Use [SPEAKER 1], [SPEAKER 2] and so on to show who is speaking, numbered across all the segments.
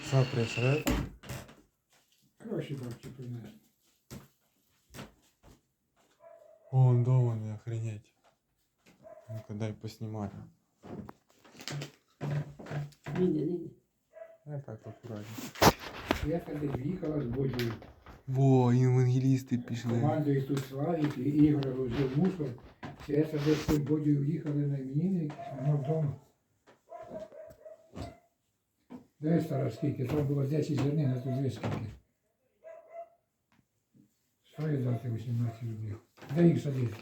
[SPEAKER 1] Що прийшли?
[SPEAKER 2] Гроші бабці принесли.
[SPEAKER 1] О, дома не охренеть. Ну-ка дай поснімаю.
[SPEAKER 3] Не йде.
[SPEAKER 1] Я так акуратно.
[SPEAKER 2] Я тоді в'їхала з Бодію.
[SPEAKER 1] Во, евангелісти пішли.
[SPEAKER 2] Командою тут Славік і Ігор возив мусор. Я тоді з цим Бодію в'їхали на іменини, воно вдома. Дивись, стара, скільки? Там було 10 зернин, а тут дивись скільки. Стоїть дати 18 рублів. Де їх садити?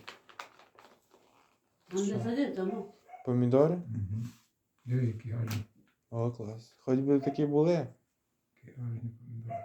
[SPEAKER 3] Там де садив, тому.
[SPEAKER 1] Помідори?
[SPEAKER 2] Диви, які гарні.
[SPEAKER 1] О, клас. Хоч би такі були.
[SPEAKER 2] Які гарні помідори.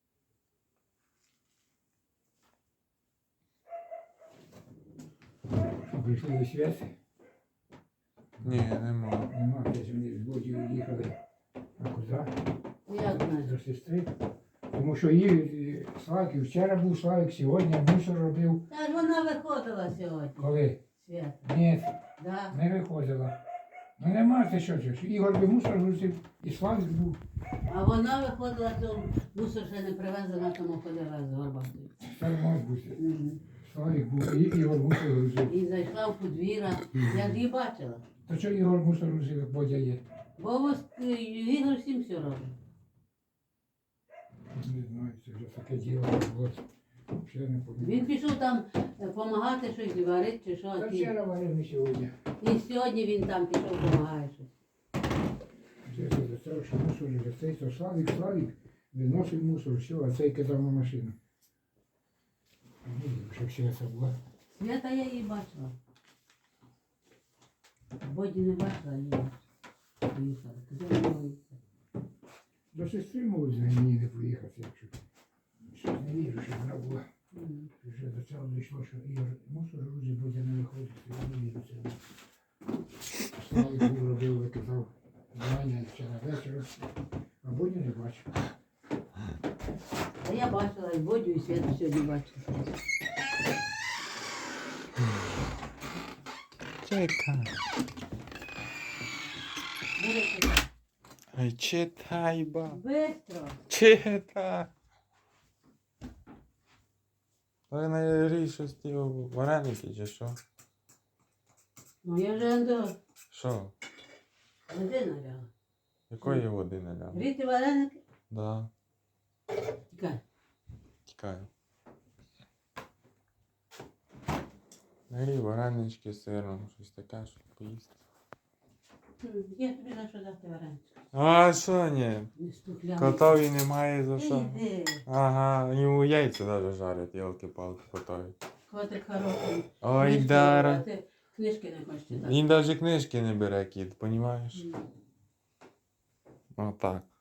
[SPEAKER 2] Що, прийшли до святи?
[SPEAKER 1] Ні, нема.
[SPEAKER 2] Нема, десь вони з Бодію їхали. А куди?
[SPEAKER 3] Як знаєш?
[SPEAKER 2] До сестри. Тому що її Славік, і вчора був Славік, сьогодні мусор робив.
[SPEAKER 3] Та ж вона виходила сьогодні.
[SPEAKER 2] Коли?
[SPEAKER 3] Свят.
[SPEAKER 2] Ні,
[SPEAKER 3] Да.
[SPEAKER 2] не виходила. Ну нема це що це. Ігор би мусор грузив, і Славік був.
[SPEAKER 3] А вона виходила, то мусор ще не привезла, тому ходила з горбатою.
[SPEAKER 2] Це може бути. Славік був, і Ігор мусор грузив.
[SPEAKER 3] І зайшла в подвір'я. Я ж її бачила.
[SPEAKER 2] То що Ігор мусор грузив, як Бодя є?
[SPEAKER 3] Бо ось Ігор всім все робить.
[SPEAKER 2] Не знаю, це вже таке діло. От. Ще не
[SPEAKER 3] Він
[SPEAKER 2] пам'ятаю.
[SPEAKER 3] пішов там допомагати щось варити чи що.
[SPEAKER 2] Та вчора варив і сьогодні.
[SPEAKER 3] І сьогодні він там пішов допомагає щось.
[SPEAKER 2] Це за те, що мусор вже цей, то Славік виносив мусор, все, а цей кидав на машину. Ну, щоб ще це було.
[SPEAKER 3] Свята я її бачила. Боді не бачила, її поїхала. Куди вона поїхала?
[SPEAKER 2] До сестри можуть з мені не поїхати, якщо щось не вірю, що вона була. Вже до цього дійшло, що Ігор мусор грузить, Бодя не виходить, я не вірю цьому. Славик був робив, викидав Ваня вчора вечора, а Бодя не бачив.
[SPEAKER 3] А я бачила і Бодю, і Святу сьогодні бачила.
[SPEAKER 1] Чекай.
[SPEAKER 3] Бери сюди.
[SPEAKER 1] Ай, читай, ба.
[SPEAKER 3] Бистро.
[SPEAKER 1] Читай. Ви на щось ті вареники чи що?
[SPEAKER 3] Ну я вже до
[SPEAKER 1] Що?
[SPEAKER 3] води наляла.
[SPEAKER 1] Якої води наляв?
[SPEAKER 3] Гріти вареники?
[SPEAKER 1] Да,
[SPEAKER 3] Тікай.
[SPEAKER 1] тікаю. Нагрій варенички з сиром, щось таке, щоб поїсти.
[SPEAKER 3] Я тобі за що дати вареники?
[SPEAKER 1] А що ні?
[SPEAKER 3] Не стукляли.
[SPEAKER 1] Котові немає за що.
[SPEAKER 3] Іди.
[SPEAKER 1] Ага, йому яйця навіть жарять, ялки-палки котові.
[SPEAKER 3] Котик хороший.
[SPEAKER 1] Ой,
[SPEAKER 3] Книжки
[SPEAKER 1] Дара.
[SPEAKER 3] брати. Книжки не хочеш читати.
[SPEAKER 1] Він навіть книжки не бере, кіт, понімаєш?
[SPEAKER 3] М.
[SPEAKER 1] Отак.